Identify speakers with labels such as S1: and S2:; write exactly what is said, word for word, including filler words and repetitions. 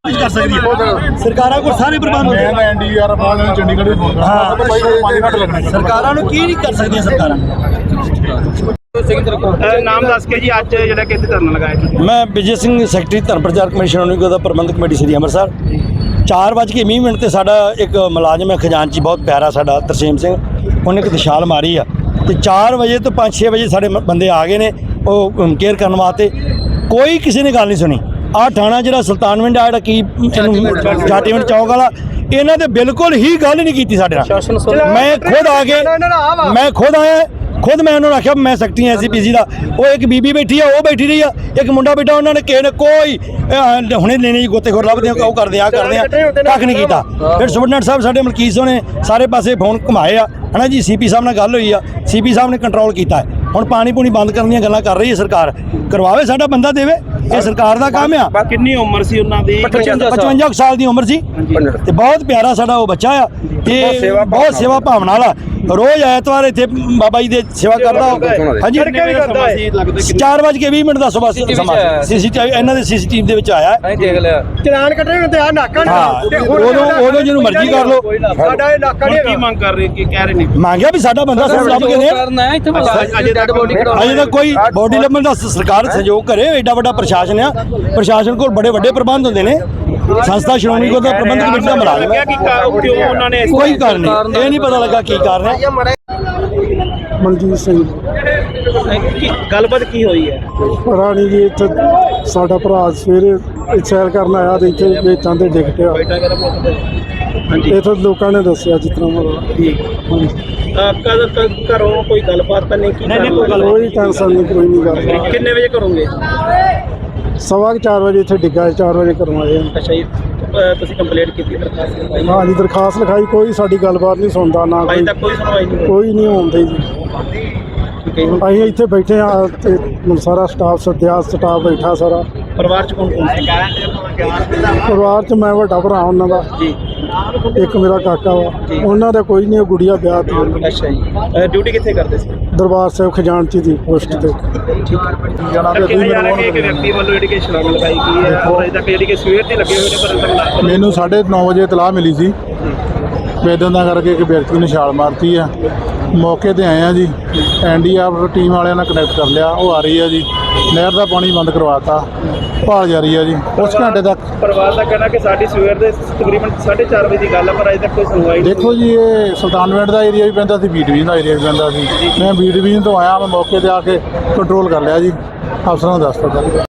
S1: कर सकती है सरकारों को सारे प्रबंध होते हैं
S2: एनडीआर बाद में चंडीगढ़ भी फोन
S1: हाँ
S2: पाँच घंटे लगने
S1: सरकारों ਨੂੰ ਕੀ ਨਹੀਂ ਕਰ ਸਕਦੀਆਂ ਸਰਕਾਰਾਂ
S3: ਨਾਮ ਦੱਸ ਕੇ ਜੀ ਅੱਜ ਜਿਹੜਾ ਕਿ ਇੱਥੇ ਧਰਨਾ ਲਗਾਇਆ ਜੀ
S1: ਮੈਂ ਵਿਜੇ ਸਿੰਘ ਸੈਕਟਰੀ ਧਰਮ ਪ੍ਰਚਾਰ ਕਮਿਸ਼ਨ ਨਿਗਮ ਦਾ ਪ੍ਰਬੰਧਕ ਕਮੇਟੀ ਸ੍ਰੀ ਅੰਮ੍ਰਿਤਸਰ ਚਾਰ ਵੱਜ ਕੇ ਵੀਹ ਮਿੰਟ ਤੇ ਸਾਡਾ ਇੱਕ ਮੁਲਾਜ਼ਮ ਹੈ ਖਜ਼ਾਨਚੀ ਬਹੁਤ ਪਿਆਰਾ ਸਾਡਾ ਤਰਸੇਮ ਸਿੰਘ ਉਹਨੇ ਇੱਕ ਦਿਸ਼ਾਲ ਮਾਰੀ ਆ ਤੇ ਚਾਰ ਵਜੇ ਤੋਂ ਪੰਜ ਛੇ ਵਜੇ ਸਾਡੇ ਬੰਦੇ ਆ ਗਏ ਨੇ ਉਹ ਕੇਅਰ ਕਰਨ ਵਾਸਤੇ ਕੋਈ ਕਿਸੇ ਨੇ ਗੱਲ ਨਹੀਂ ਸੁਣੀ ਆ ਥਾਣਾ ਜਿਹੜਾ ਸੁਲਤਾਨਵਿੰਡ ਆ ਜਿਹੜਾ ਕੀ ਇਹਨੂੰ ਜਾਟੀਵਿੰਡ ਚੌਕ ਵਾਲਾ ਇਹਨਾਂ ਦੇ ਬਿਲਕੁਲ ਹੀ ਗੱਲ ਨਹੀਂ ਕੀਤੀ ਸਾਡੇ ਨਾਲ ਮੈਂ ਖੁਦ ਆ ਕੇ ਮੈਂ ਖੁਦ ਆਇਆ खुद मैं उन्होंने आख्या मैं secretary S C P C का वो एक बीबी बैठी है वो बैठी रही है एक मुंडा बैठा उन्होंने किसी ने कोई हुणे लेने जी गोतेखोर लभदे वो करदे आ करदे कख नहीं कीता फिर सुपरडेंट साहब साडे मलकीत ने सारे पासे फोन घुमाए आ है ना जी सी पी साहब नाल गल हुई आ सी पी साहब ने कंट्रोल किया है हुण पानी पूनी बंद करने दी गल्लां कर रही है सरकार करवावे साडा बंदा देवे ये सरकार का काम आ
S3: कितनी उम्र सी उन्हां दी
S1: पचवंजा साल की उम्र सी ते बहुत प्यारा साडा वो बच्चा आ ते बहुत सेवा भावना वाला रोज ऐतवार इत्थे बाबा जी दे सेवा करदा हां जी चार बज के बीस मिनट दा सुबह समा सीसीटीवी इन्हां दे सीसीटीवी दे विच आया है
S3: देख लिया
S4: चलान कटने हुंदे आ नाका
S1: हां ओदों ओदों जिन्नू मर्जी कर लो
S4: साडा ये नाका नहीं
S3: की मांग कर रहे कि कह रहे ने
S1: मांगया भी साडा बंदा सब लब के दे
S3: करना है इत्थे अजे तक बॉडी
S1: अजे तक कोई बॉडी लभण दा सरकार सहयोग करे एडा बड़ा प्रशासन आ प्रशासन कोल बड़े बड़े प्रबंध होंदे ने संस्था श्रोमणी गुरुद्वारा प्रबंधक कमेटी दा मुलाजम है
S3: क्यों उन्होंने
S1: कोई कारण नहीं ये नहीं पता लगा की कारण है
S2: ਮਨਜੀਤ ਸਿੰਘ
S3: ਗੱਲਬਾਤ ਕੀ ਹੋਈ ਹੈ
S2: ਰਾਣੀ ਜੀ ਇੱਥੇ ਸਾਡਾ ਭਰਾ ਸਵੇਰੇ ਸੈਰ ਕਰਨ ਆਇਆ ਤੇ ਇੱਥੇ ਵੇਚਾਂ ਤੇ ਡਿੱਗ ਪਿਆ
S3: ਹਾਂਜੀ
S2: ਇੱਥੇ ਲੋਕਾਂ ਨੇ ਦੱਸਿਆ ਜਿਸ ਤਰ੍ਹਾਂ ਮਤਲਬ
S3: ਠੀਕ ਕਦ ਘਰੋਂ ਕੋਈ ਗੱਲਬਾਤ ਤਾਂ ਨਹੀਂ ਕੀ
S2: ਕੋਈ ਟੈਨਸ਼ਨ ਨਹੀਂ ਕੋਈ ਨਹੀਂ ਗੱਲ
S3: ਕਿੰਨੇ ਵਜੇ ਕਰੋਗੇ
S2: ਸਵਾ ਕੁ ਚਾਰ ਵਜੇ ਇੱਥੇ ਡਿੱਗਾ ਚਾਰ ਵਜੇ ਕਰਵਾਏ
S3: ਅੱਛਾ ਜੀ ਤੁਸੀਂ ਕੰਪਲੇਂਟ ਕੀਤੀ ਦਰਖਾਸਤ ਲਗਾਈ
S2: ਹਾਂ ਜੀ ਦਰਖਾਸਤ ਲਿਖਾਈ ਕੋਈ ਸਾਡੀ ਗੱਲਬਾਤ ਨਹੀਂ ਸੁਣਦਾ ਨਾ
S3: ਅਜੇ
S2: ਕੋਈ
S3: ਤੱਕ ਕੋਈ ਸੁਣਵਾਈ ਨਹੀਂ
S2: ਕੋਈ ਨਹੀਂ ਆਉਂਦਾ ਜੀ
S3: ਠੀਕ ਹੈ
S2: ਅਸੀਂ ਇੱਥੇ ਬੈਠੇ ਆ ਤੇ ਸਾਰਾ ਸਟਾਫ ਸੱਦਿਆ ਸਟਾਫ ਬੈਠਾ ਸਾਰਾ
S3: ਪਰਿਵਾਰ ਚ ਕੌਣ ਕੌਣ ਸੀ
S2: ਪਰਿਵਾਰ 'ਚ ਮੈਂ ਵੱਡਾ ਭਰਾ ਉਹਨਾਂ ਦਾ
S3: ਜੀ
S2: ਇੱਕ ਮੇਰਾ ਕਾਕਾ ਵਾ ਉਹਨਾਂ ਦਾ ਕੋਈ ਨਹੀਂ ਗੁੜੀਆ ਵਿਆਹ ਤੇ ਉਹਨਾਂ
S3: ਅੱਛਾ ਜੀ ਡਿਊਟੀ ਕਿੱਥੇ ਕਰਦੇ ਸੀ
S2: ਦਰਬਾਰ ਸਾਹਿਬ ਖਜ਼ਾਨਚੀ ਦੀ ਪੋਸਟ ਤੇ
S3: ਕਿਹਾ ਜਾ ਰਿਹਾ ਕਿ ਇੱਕ ਵਿਅਕਤੀ ਵੱਲੋਂ ਜਿਹੜੀ ਕਿ ਛਲਾਂਗ ਲਗਾਈ ਗਈ ਹੈ ਔਰ ਅਜੇ ਤੱਕ ਜਿਹੜੀ ਕਿ ਸਵੇਰ ਦੀ ਲੱਗੇ ਹੋਏ ਨੇ ਪਰ ਅੰਤਰ
S2: ਮੈਨੂੰ ਸਾਢੇ ਨੌ ਵਜੇ ਇਤਲਾਹ ਮਿਲੀ ਸੀ ਵੇਦਨ ਦਾ ਕਰਕੇ ਇੱਕ ਵਿਅਕਤੀ ਨੇ ਛਾਲ ਮਾਰਤੀ ਆ ਮੌਕੇ ਤੇ ਆਏ ਆ ਜੀ N D R F team ਵਾਲਿਆਂ ਨਾਲ ਕਨੈਕਟ ਕਰ ਲਿਆ ਉਹ ਆ ਰਹੀ ਆ ਜੀ ਨਹਿਰ ਦਾ ਪਾਣੀ ਬੰਦ ਕਰਵਾਤਾ ਭਾਲ ਜਾਰੀ ਆ ਜੀ ਉਸ ਘੰਟੇ ਤੱਕ
S3: ਪਰਿਵਾਰ ਦਾ ਕਹਿਣਾ ਕਿ ਸਾਡੀ ਸਵੇਰ ਦੇ ਤਕਰੀਬਨ ਸਾਢੇ ਚਾਰ ਵਜੇ ਦੀ ਗੱਲ ਹੈ ਪਰ ਅਜੇ ਤੱਕ ਕੋਈ ਸੁਣਵਾਈ ਨਹੀਂ
S2: ਦੇਖੋ ਜੀ ਇਹ ਸੁਲਤਾਨਵਿੰਡ ਦਾ ਏਰੀਆ ਵੀ ਪੈਂਦਾ ਸੀ ਬੀ ਡਿਵੀਜ਼ਨ ਦਾ ਏਰੀਆ ਵੀ ਪੈਂਦਾ ਸੀ ਮੈਂ ਬੀ ਡਿਵੀਜ਼ਨ ਤੋਂ ਆਇਆ ਮੈਂ ਮੌਕੇ ਤੇ ਆ ਕੇ ਕੰਟਰੋਲ ਕਰ ਲਿਆ ਜੀ ਅਫਸਰਾਂ ਨੂੰ ਦੱਸ ਦਿੱਤਾ